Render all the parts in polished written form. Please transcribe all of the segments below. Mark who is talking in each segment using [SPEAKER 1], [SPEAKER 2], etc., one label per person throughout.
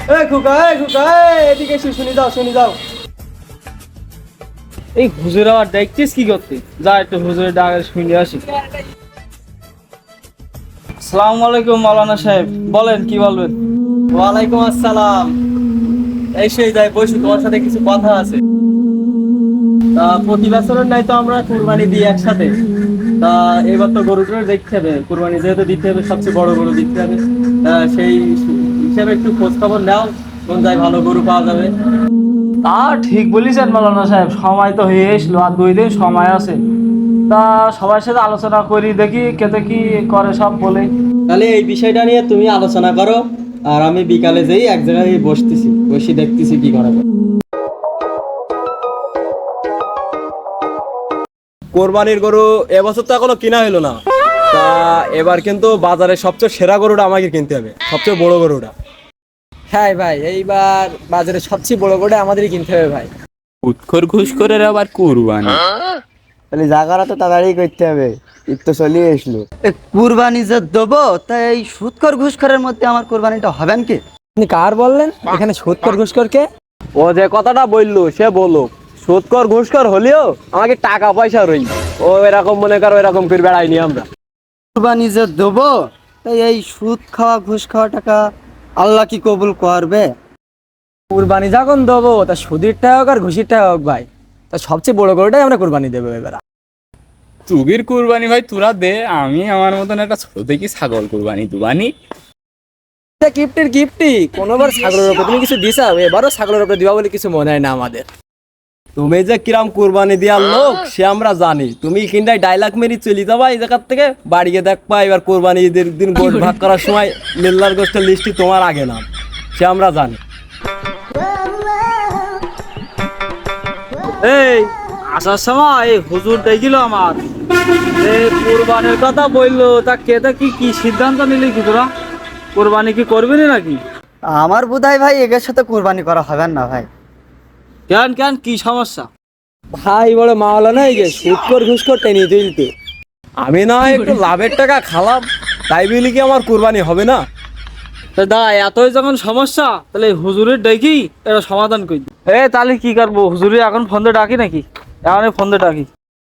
[SPEAKER 1] এদিকে এসে শুনি যাও।
[SPEAKER 2] এই হুজুর আবার দেখছিস কি করতে? যা একটু হুজুরের ডাকে শুনে আসি। আসসালামু আলাইকুম মাওলানা সাহেব, বলেন কি বলবেন?
[SPEAKER 1] ওয়ালাইকুম আসসালাম। এই সেই যাই বসু, তোমার সাথে কিছু কথা আছে। তা প্রতি বছরের নাই তো আমরা কুরবানি দিই একসাথে। তা এবার তো গরুটা দেখতে হবে, কুরবানি যেহেতু দিতে হবে, সবচেয়ে বড় গরু দিতে হবে। সেই হিসাবে একটু খোঁজ খবর নাও, কোন জায়গায় ভালো গরু পাওয়া যাবে।
[SPEAKER 2] তা ঠিক বলেছেন মাওলানা সাহেব, সময় তো হয়ে এসলো, আর 2 দিন সময় আছে। তা সবার সাথে আলোচনা করি, দেখি কেতে কি করে সব বলে।
[SPEAKER 1] তাহলে এই বিষয়টা নিয়ে তুমি আলোচনা করো, আর আমি বিকালে যেই এক জায়গায় বসে দেখতেছি কি করা যায়। কোরবানির গরু এবছর তো এখনো কিনা হলো না। তা এবার কিন্তু বাজারে সবচেয়ে সেরা গরুটা আমাকে কিনতে হবে, সবচেয়ে বড় গরুটা।
[SPEAKER 3] হ্যাঁ ভাই, এইবার বাজারে সবচেয়ে বড় করে আমাদেরই কিনতে হবে ভাই।
[SPEAKER 4] উৎখর ঘুষ করে আবার কুরবানি।
[SPEAKER 5] তাহলে জায়গাটা তো তাড়াতাড়ি করতে হবে, ঈদ তো চলিয়ে আসলো। কুরবানি যে দেবো, তাই এই সুদখোর ঘুষখোরের মধ্যে আমার কুরবানিটা হবেন কি?
[SPEAKER 3] আপনি কার বললেন? এখানে সুদখোর ঘুষখোর কে?
[SPEAKER 1] ও যে কথাটা বললো সে বলো, সুদকর ঘুষকর হলেও আমাকে টাকা পয়সা রই, ও এরকম মনে করো এরকম করে বেড়াইনি আমরা।
[SPEAKER 5] কুরবানি যে দেবো, তাই এই সুদ খাওয়া ঘুষ খাওয়া টাকা আল্লাহ কি কবুল করবে?
[SPEAKER 3] কুরবানি যখন দেবো, তা সুদিরটা হোক আর ঘুষিরটা হোক ভাই, তা সবচেয়ে বড় গরুটাই আমরা কুরবানি দেবো এবার।
[SPEAKER 4] চুগির কুরবানি ভাই তোরা দে, আমি আমার মতন একটা ছোট দেখি ছাগল কুরবানি দুবানি।
[SPEAKER 3] গিফটি কোনোবার ছাগলের উপরে তুমি কিছু দিছা, এবারও ছাগলের উপরে দিবা বলে কিছু মনে হয় না আমাদের।
[SPEAKER 1] তুমি যে কিরাম কুরবানি দেওয়ার লোক সে আমরা জানি, তুমি কিনটাই ডায়লগ মেরি চলে যাবা এই জায়গার থেকে, বাড়িয়ে দেখবা এবার কোরবানি ঈদের দিন গোশ ভাগ করার সময় মিল্লার গোষ্ঠের লিস্টটি তোমার আগে নাম, সে আমরা জানি।
[SPEAKER 2] এই আসার সময় এই হুজুর দেখিল আমার, কুরবানির কথা বললো, তা কেতে কি সিদ্ধান্ত নিলি কি তোরা? কুরবানি কি করবি না নাকি?
[SPEAKER 5] আমার বোধহয় ভাই এদের সাথে কুরবানি করা হবে না ভাই।
[SPEAKER 2] কেন কি সমস্যা?
[SPEAKER 1] ভাই বড় মাওলা নাই যে সুদকর ঘুষকর টেনে তুলতে, আমি না একটু লাভের টাকা খালাম, তাই বলি কি আমার কুরবানি হবে না?
[SPEAKER 2] তা দা এতই যখন সমস্যা, তাহলে হুজুরের ডাকি এটা সমাধান করি। তাহলে কি করবো, হুজুরে এখন ফোন দিয়ে ডাকি নাকি? এখন ফোন দিয়ে ডাকি।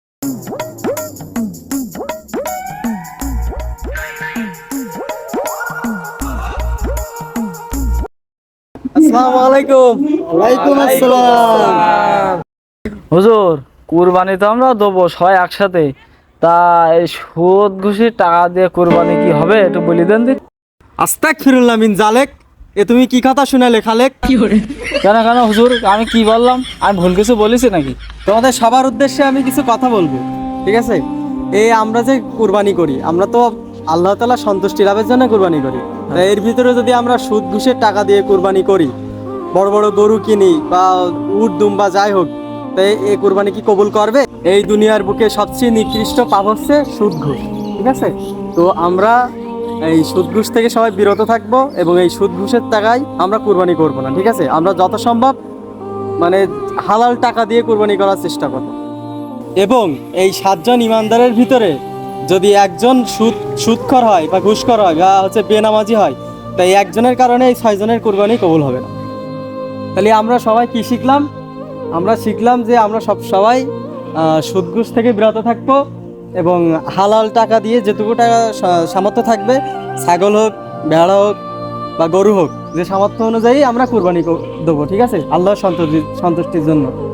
[SPEAKER 1] আসসালামু আলাইকুম।
[SPEAKER 5] ওয়ালাইকুম আসসালাম।
[SPEAKER 2] হুজুর কুরবানি তো আমরা দেবো সবাই একসাথে, তা এই সুদ ঘুষির টাকা দিয়ে কুরবানি কি হবে একটু বলি দেন দিন।
[SPEAKER 1] আস্তাগফিরুল্লাহ মিন জালেক, এ তুমি কি কথা শুনালে খালেক?
[SPEAKER 2] কেন হুজুর, আমি কি বললাম? আমি ভুল কিছু বলেছি নাকি?
[SPEAKER 1] তোমাদের সবার উদ্দেশ্যে আমি কিছু কথা বলবো, ঠিক আছে? এই আমরা যে কুরবানি করি, আমরা তো আল্লাহ তাআলা সন্তুষ্টি লাভের জন্য কুরবানি করি। তা এর ভিতরে যদি আমরা সুদ ঘুষের টাকা দিয়ে কুরবানি করি, বড় বড় গরু কিনি বা উট দুম্বা যাই হোক, তাই এই কুরবানি কি কবুল করবে? এই দুনিয়ার বুকে সবচেয়ে নিকৃষ্ট পাপ হচ্ছে সুদ ঘুষ, ঠিক আছে? তো আমরা এই সুদ ঘুষ থেকে সবাই বিরত থাকবো এবং এই সুদ ঘুষের টাকায় আমরা কুরবানি করব না, ঠিক আছে? আমরা যত সম্ভব মানে হালাল টাকা দিয়ে কুরবানি করার চেষ্টা করব। এবং এই 7 জন ইমানদারের ভিতরে যদি একজন সুদখোর হয় বা ঘুষখোর হয় বা হচ্ছে বেনামাজি হয়, তাই একজনের কারণে এই 6 জনের কুরবানি কবুল হবে না। তাহলে আমরা সবাই কি শিখলাম? আমরা শিখলাম যে আমরা সবাই সুদ ঘুষ থেকে বিরত থাকবো এবং হালাল টাকা দিয়ে যেটুকু টাকা সামর্থ্য থাকবে, ছাগল হোক, ভেড়া হোক বা গরু হোক, যে সামর্থ্য অনুযায়ী আমরা কুরবানি দেবো, ঠিক আছে? আল্লাহর সন্তুষ্টির জন্য।